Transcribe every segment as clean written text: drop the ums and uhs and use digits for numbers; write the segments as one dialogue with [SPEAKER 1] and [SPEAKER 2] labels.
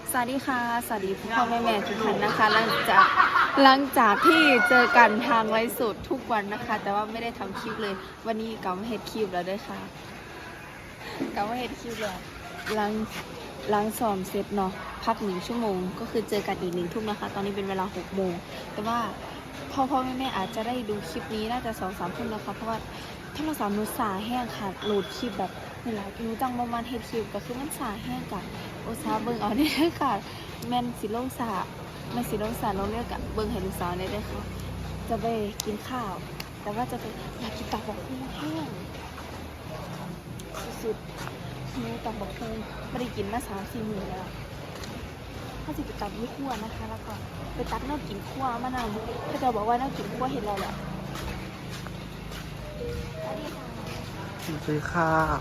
[SPEAKER 1] สวัสดีค่ะสวัสดีพ่อแม่ทุกท่านนะคะหลังจากที่เจอกันทางไลฟ์สดทุกวันนะคะแต่ว่าไม่ได้ทำคลิปเลยวันนี้กลับมาเฮ็ดคลิปแล้วด้วยค่ะกลับมาเฮ็ดคลิปแล้วหลังซ้อมเสร็จเนาะพัก1 ชั่วโมงก็คือเจอกันอีก1 ทุ่มนะคะตอนนี้เป็นเวลา6 โมงแต่ว่าพ่อแม่อาจจะได้ดูคลิปนี้น่าจะ2-3 ทุ่มนะคะเพราะว่าโทรศัพท์หนูสาแห้งค่ะโหลดคลิปแบบนี่แหละหนูจังประมาณเฮ็ดคลิปก็คือมันสาแห้งกับโอซาเบิ่งเอาเนี่ยค่ะแม่นสิลงสาเราเรียกกับเบิ่งให้ลูกสาวเนี่ยด้วยค่ะจะไปกินข้าวแต่ว่าจะไปอยากกินตับบักหุ่งแห้งสุดๆหนูตับบักหุ่งไม่ได้กินมา3-4 มื้อแล้วถ้าจะไปตัดยี่ขั้วนะคะแล้วก็ไปตัดเน่ากินขั้วมะนาวก็จะบอกว่าเน่ากินขั้วเห็นเราแหละ
[SPEAKER 2] ซื้อข้าว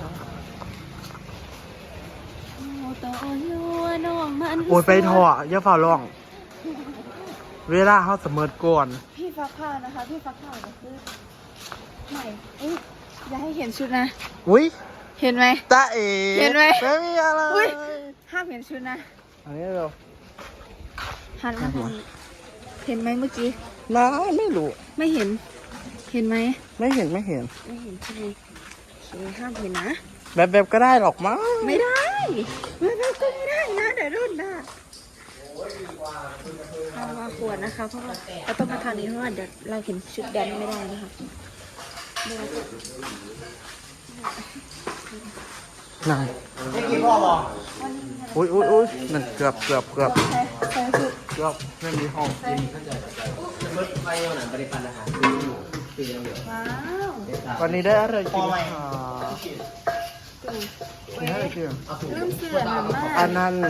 [SPEAKER 2] โอ้ยไปถอดอย่าฝ่าร้อง เวลาเขาเสมอก่อน
[SPEAKER 1] พี่ฟักข้าวนะคะพี่ฟักข้าวก็คือใหม่อย่าให้เห็นชุดนะ
[SPEAKER 2] อุ้ย
[SPEAKER 1] เห็นไหม
[SPEAKER 2] ตาเอ๋
[SPEAKER 1] เห็นไหม
[SPEAKER 2] ไม่มีอะไร
[SPEAKER 1] อุ้ยห้ามเห็นชุดนะ
[SPEAKER 2] อันนี้เรา
[SPEAKER 1] หันมาเห็นไหมเมื่อกี้
[SPEAKER 2] น้าไม่รู้
[SPEAKER 1] ไม่เห็นไหม
[SPEAKER 2] ไม่เห็น
[SPEAKER 1] ใช่ไหมห้ามเห็นนะ
[SPEAKER 2] แบบก็ได้หรอกมั้ง
[SPEAKER 1] ไม่ได้แบบก็ไม่ได้นะเดี๋ยวรุ่นนะเอามาขวดนะคะเพราะว่าเราต้องมาทางนี้เพราะว่าเดี๋ยวเราเห็นชุดแดนไม่ได้นะคะ
[SPEAKER 2] นั่งไม่กินพ่อบอกอุ้ยนั่นเกือบไม่มีห้องกินวันนี้ได้อะไรกินค่ะนี่อะไรกิน
[SPEAKER 1] ลืมเสื้อหนามาก
[SPEAKER 2] อันนั้น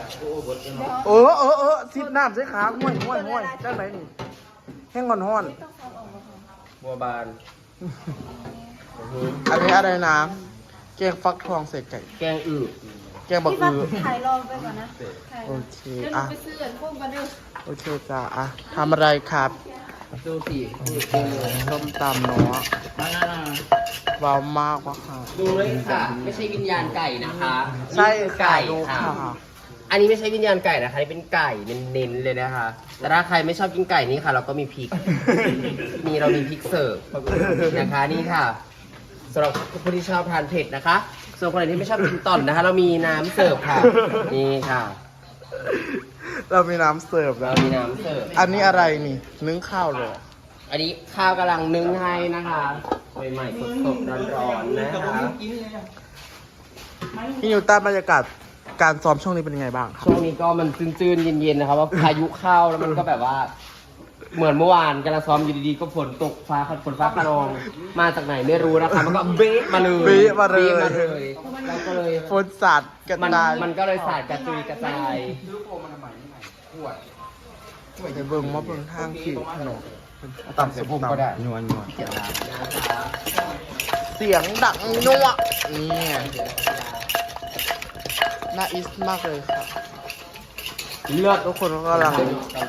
[SPEAKER 2] ซิดน้ำใส่ขาห้วยจ้าไหนนี่แห้งห้อน
[SPEAKER 3] บัวบาน
[SPEAKER 2] อันนี้อะไรนะแกงฟักทองใส่ไก่
[SPEAKER 3] แกงอึ
[SPEAKER 2] แกงบักอึ
[SPEAKER 1] ถ่ายรอไปก่อนนะ
[SPEAKER 2] โอเค
[SPEAKER 1] อ่ะไปซื้อพวกกันเด้อ
[SPEAKER 2] โอเคจ้าอ่ะทำอะไรครับ
[SPEAKER 3] ดูสิ
[SPEAKER 2] ต้มตำเนาะว้าวมากว่ะค่ะ
[SPEAKER 3] ดูเลยค่ะไม่ใช่วิญญาณไก่นะคะ
[SPEAKER 2] ใช่ไก่ค่ะ
[SPEAKER 3] อันนี้ไม่ใช่วิญญาณไก่นะคะนี่เป็นไก่เน้นๆเลยนะคะแต่ถ้าใครไม่ชอบกินไก่นี่ค่ะเราก็มีพริกเรามีพริกเสิร์ฟนะคะนี่ค่ะสำหรับผู้ที่ชอบทานเผ็ดนะคะส่วนคนไหนที่ไม่ชอบกินต่อนนะคะเรามีน้ำเสิร์ฟค่ะนี่ค่ะ
[SPEAKER 2] เรามีน้ำเสิร์ฟแล้ว
[SPEAKER 3] มีน้ำเสิร์ฟ
[SPEAKER 2] อันนี้อะไรนี่นึ่งข้าวหรอ
[SPEAKER 3] อันนี้ข้าวกำลังนึ่งให้นะคะใหม่ๆสดๆร้อนๆนะคะ
[SPEAKER 2] พี่นิวต้าบรรยากาศการซ้อมช่วงนี้เป็นยังไงบ้างครับ
[SPEAKER 3] ช่วงนี้ก็มันจืนๆเย็นๆนะครับว่าพายุเข้าแล้วมันก็แบบว่าเหมือนเมื่อวานกำลังซ้อมอยู่ดีๆก็ฝนตกฝนฟ้าขนองมาจากไหนไม่รู้นะคะมันก็เบ๊ะมาเลยแล้วก็เลย
[SPEAKER 2] ฝนสาดกระจาย
[SPEAKER 3] มันก็เลยสาดกระจุยกระจาย
[SPEAKER 2] ไปเบิ่งว่าเบิ่งทางขี่ถนน
[SPEAKER 3] ต่ำเสียงพุ่มก็ได้นัว
[SPEAKER 2] เสียงดังนัวนี่น่าอิสมากเลยครับ
[SPEAKER 3] เลือด
[SPEAKER 2] ทุกคนก็กำลัง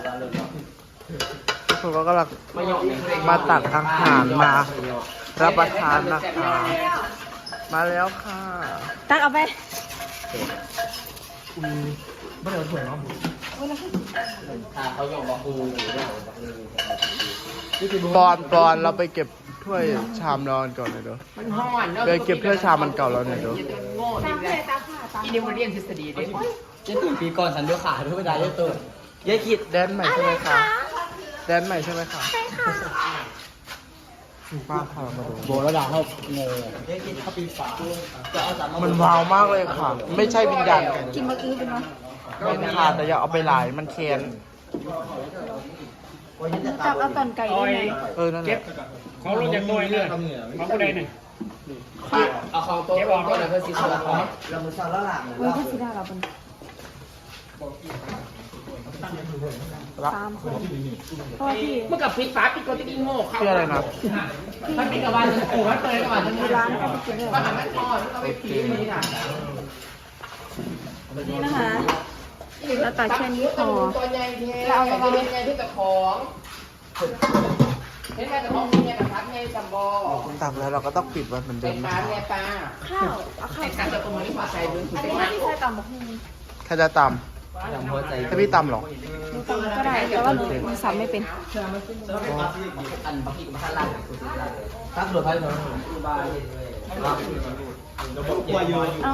[SPEAKER 2] มาตักอาหารมารับประทานนะคะมาแล้วค่ะ
[SPEAKER 1] ตักเอาไป
[SPEAKER 3] ไม่ได้เอาถ้วยเนาะเขาหยอกบอก
[SPEAKER 2] ปอนเราไปเก็บถ้วยชามนอนก่อนเลยเด้อไปเก็บถ้วยชามมันเก่าแล้วเนี่ยเด้อ
[SPEAKER 3] อินดิวเรียนทฤษฎีด้วยเจ๊ตื่นปีก่อนสันด้วยขาด้วยเวลาเจ๊ตื่น
[SPEAKER 2] ยายกิดแดนใหม่ใช่ไหมคะแดนใหม่ใช่ไหมคะ
[SPEAKER 1] ใช่ค่ะ
[SPEAKER 2] ป้าค่ะมาดู
[SPEAKER 3] โบแล้วดาวเขาโง่
[SPEAKER 2] มันว้าวมากเลยค่ะไม่ใช่วิญญาณ
[SPEAKER 1] กินมะอื้อเป็นไหม
[SPEAKER 2] เป็นค่ะแต่อย่าเอาไปหลายมันเค็ม
[SPEAKER 1] จับเอาตอนไก่ได้ไหม
[SPEAKER 2] นั่นแหละ
[SPEAKER 4] เขาลงจากตัวเลยเขาก็ได้หนึ่ง
[SPEAKER 3] เอาของตัวก็เลยเพื่อซีซ่าเรามือซาละหลัง
[SPEAKER 1] เพื่อซีซ่าเราเป็น3 คนเพราะที่
[SPEAKER 3] เมื่อกับพริกฟ้าพริกก็จะกินโง่
[SPEAKER 2] เข้าอะไรนะ
[SPEAKER 3] มันเป็นกับวันโอ้มันเตยกับวันมีร้านก็ไปกินเลยว่าหันไม่พอต้องไปพีนี่นะ
[SPEAKER 1] นี่นะคะเราตัดแค่นี้พอ
[SPEAKER 3] เราเอาไปเป็นไงที่กับของเห็นไหมกับของเนี่ยกับพัดไงจับบอ
[SPEAKER 2] ตักแล้วเราก็ต้องปิดมันเหมือนเดิม
[SPEAKER 3] นะปลา
[SPEAKER 1] ข้าวเอาข้าว
[SPEAKER 3] การจะตรงนี้มาใส่ด้วย
[SPEAKER 1] อันนี้ไม่ใช่ตำบักหุ่ง
[SPEAKER 2] ใครจะต
[SPEAKER 3] จำหัวใจ
[SPEAKER 2] ให้พี่ตำเหรอ
[SPEAKER 1] หนูตำก็ได้แต่ว่าหนูสับไม่เป็น
[SPEAKER 3] อันบางทีก็มาข้างล่างตั้งโดดไปเลยบายเลย
[SPEAKER 1] เอา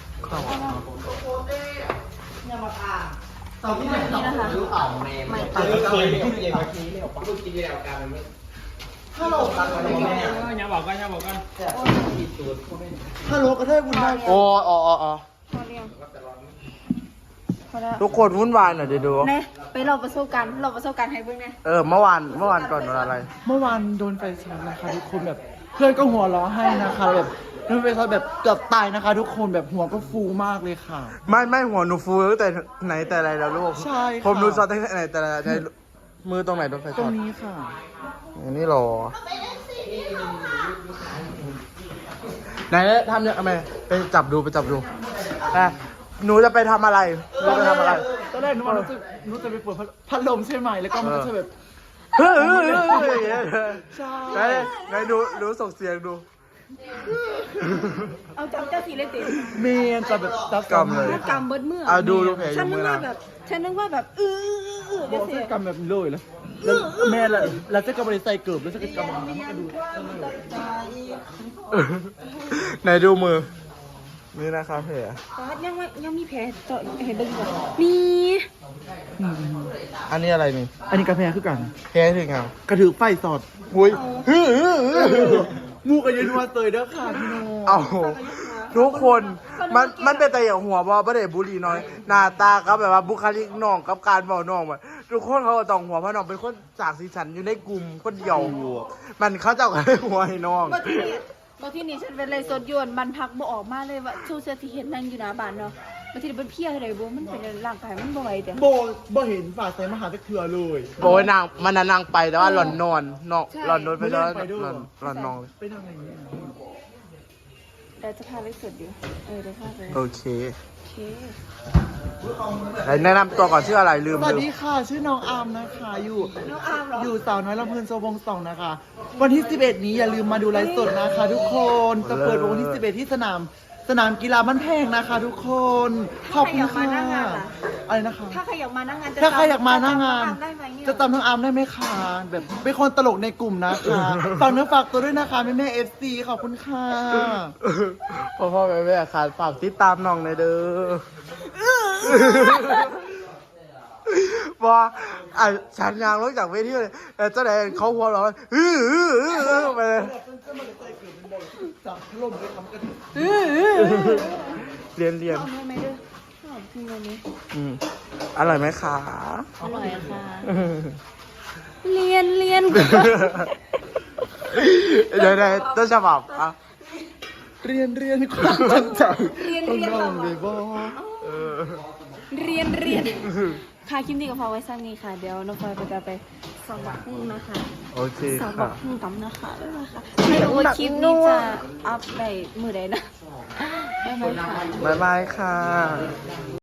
[SPEAKER 3] ตอนที่ไหนนะคะรู้อ่องแม่ไม่ตัดเคยกินเย็นเมื่อกี้เลยลูกกินแล้วกันมันไม่ฮัลโหลตัดอะไรแม่
[SPEAKER 4] อย่าบอกกันอย่าบอกกัน
[SPEAKER 2] ฮัลโหลก็ได้บุญได้โอ้อ๋อ
[SPEAKER 1] พอเรียงพอแล้ว
[SPEAKER 2] ทุกคนวุ่นวายหน่อยเดี๋ยวดู
[SPEAKER 1] เน่ไปเราประสบการณ์ให้เบิ่งแน่
[SPEAKER 2] เมื่อวานก่อนวันอะไร
[SPEAKER 5] เมื่อวานโดนไฟช็อตนะคะทุกคนแบบเพื่อนก็หัวเราะให้นะคะแบบโดนไฟช็อตแบบเกือบตายนะคะ ทุกคนแบบหัวก็ฟูมากเลยค่ะ
[SPEAKER 2] ไม่หัวหนูฟูตั้งแต่ไหนแต่ไรแล้วลูก
[SPEAKER 5] ใช่ค่ะ
[SPEAKER 2] ผมดูซอสตั้งแต่ไหนแต่ไรในมือตรงไหนโดนไฟ
[SPEAKER 5] ตร
[SPEAKER 2] ช็อง ต
[SPEAKER 5] นี้ค่ะ
[SPEAKER 2] อันนี้หรอไหนทำยังไงไปจับดูหนูจะไปทำอะไรหนูจะทำอะไร
[SPEAKER 5] ตอนแรกนึกจะไปเปิดพัดลมใช่ไหมแล้วก็มันก็จะแบบ
[SPEAKER 2] เฮ้ย
[SPEAKER 5] ใช่
[SPEAKER 2] ไหนดูส่งเสียงดู
[SPEAKER 1] เอาจับเจ้าสีเลยติ
[SPEAKER 5] เมนจะแบบจับ
[SPEAKER 2] กำเลย
[SPEAKER 1] ถ้ากำเบิดมือ
[SPEAKER 2] ดูแผลอ
[SPEAKER 1] ฉัน
[SPEAKER 2] ยู่
[SPEAKER 1] นึ
[SPEAKER 2] มื
[SPEAKER 1] ก
[SPEAKER 2] อ
[SPEAKER 1] ว่า
[SPEAKER 2] นะ
[SPEAKER 1] แบบฉันนึกว่าแบบ
[SPEAKER 5] บ
[SPEAKER 1] เดี๋ย
[SPEAKER 5] อ
[SPEAKER 1] ว
[SPEAKER 5] ก
[SPEAKER 1] สิ
[SPEAKER 5] จะกำแบบเลยแล้วแม่แล้วจะกำอะไรใส่เกือบแล้วจะกำแบบนั้นก็ดู
[SPEAKER 2] ไหนดูมือ นี่นะครับแผล
[SPEAKER 1] ยังมีแผลต่อเห็นเบิ่งก่อนมี
[SPEAKER 2] อันนี้อะไรนี่
[SPEAKER 5] อันนี้กาแฟคือกัน
[SPEAKER 2] แผลถึงอ่ะ
[SPEAKER 5] กระถือไฟสอด
[SPEAKER 2] อุ้ย
[SPEAKER 5] มูกันยันวัวเตยเด้อค่ะพี่โน
[SPEAKER 2] เอาทุกคนมันเป็นแต่อย่างหัวบอประเด็บุรีน้อย หน้าตาครับแบบว่าบุคลิกน้องกับการบอกน้องแบบทุกคนเขาก็ต้องหัวเพราะน้องเป็นคนจากสีสันอยู่ในกลุ่มคนเดียว มันเขาเจ้ากันหัวให้น้อง
[SPEAKER 1] บางทีนี่ฉันเป็นเลยสดยวนบันพักบ่ออกมาเลยว่าชูเสื้อที่เห็นนั่งอยู่หน้าบ้านเนาะบางทีเป็นเพี้ยอะไรบ่มันเป็นร่างกายมันบ่ไหวแต่
[SPEAKER 5] บ่เห็นฝ่าใส่มหาตะเถื่อเลย
[SPEAKER 2] โอ้ยนางมันน่ะนางไปแต่ว่าหล่อนนอนหล่อนนอนไปแล้ว
[SPEAKER 5] ไปด้วย
[SPEAKER 2] หล่อนนอนเลย
[SPEAKER 5] ไปทำอะไรเนี่ย
[SPEAKER 1] เดี๋ยวจะพาไปสดอยู่เดี๋ยวพาไป
[SPEAKER 2] โอเค
[SPEAKER 1] โอเค
[SPEAKER 2] ไหนแนะนำตัวก่อนชื่ออะไรลืม
[SPEAKER 5] สวัสดีค่ะชื่อน้องอาร์มนะคะอยู่
[SPEAKER 1] น้องอาร์มเหรอ
[SPEAKER 5] อยู่สาวน้อยลำเพลินโซวงสองนะคะ วันที่ 11 นี้อย่าลืมมาดูไลฟ์สดนะคะ ทุกคนจะเปิดวันที่ 11 ที่สนามกีฬาบ้านแพงนะคะ ทุกคนขอบคุณค่ะอะไรนะคะ
[SPEAKER 1] ถ้าใครอยากมานั่งงาน
[SPEAKER 5] ถ้าใครอยากมาหน้างาน
[SPEAKER 1] ได้ไหมเนี่ย
[SPEAKER 5] จะตามน้องอาร์มได้ไหมคะแบบเป็นคนตลกในกลุ่มนะคะฝากเนื้อฝากตัวด้วยนะคะแม่ๆ FC ขอบคุณค่ะ
[SPEAKER 2] พ่อแม่ค่ะฝากติดตามน้องในอยเด้อว่าฉันยางลงจากเวทีเลยเจ้าไหนเขาหัวเราะไปเลย
[SPEAKER 5] จากล่มไปทำกัน
[SPEAKER 2] เรียน
[SPEAKER 1] เอาเนื้อไหมเด้อชอบกินอันนี้
[SPEAKER 2] อร่อยไหมคะ
[SPEAKER 1] อร่อยค่ะ เรียน
[SPEAKER 2] เดี๋ยวต้นฉบับอ่ะ
[SPEAKER 5] เรียนความตั้งใจ
[SPEAKER 1] เรียน
[SPEAKER 5] น้องเลยบอ
[SPEAKER 1] เรียนค่ะคลิปนี้ก็พอไว้สั้นนี้ค่ะ เดี๋ยวน้องพลอยก็จะไปส่องบักหุ่งนะคะ
[SPEAKER 2] โอเค
[SPEAKER 1] ส่องบั
[SPEAKER 2] ค่ะ
[SPEAKER 1] กหุ่งกันนะคะบ๊ายบายค่ะไม่รู้ว่าคลิปนี้จะอัพได้มือใดนะบ๊ายบายค่ะ
[SPEAKER 2] บ๊ายบายค่ะ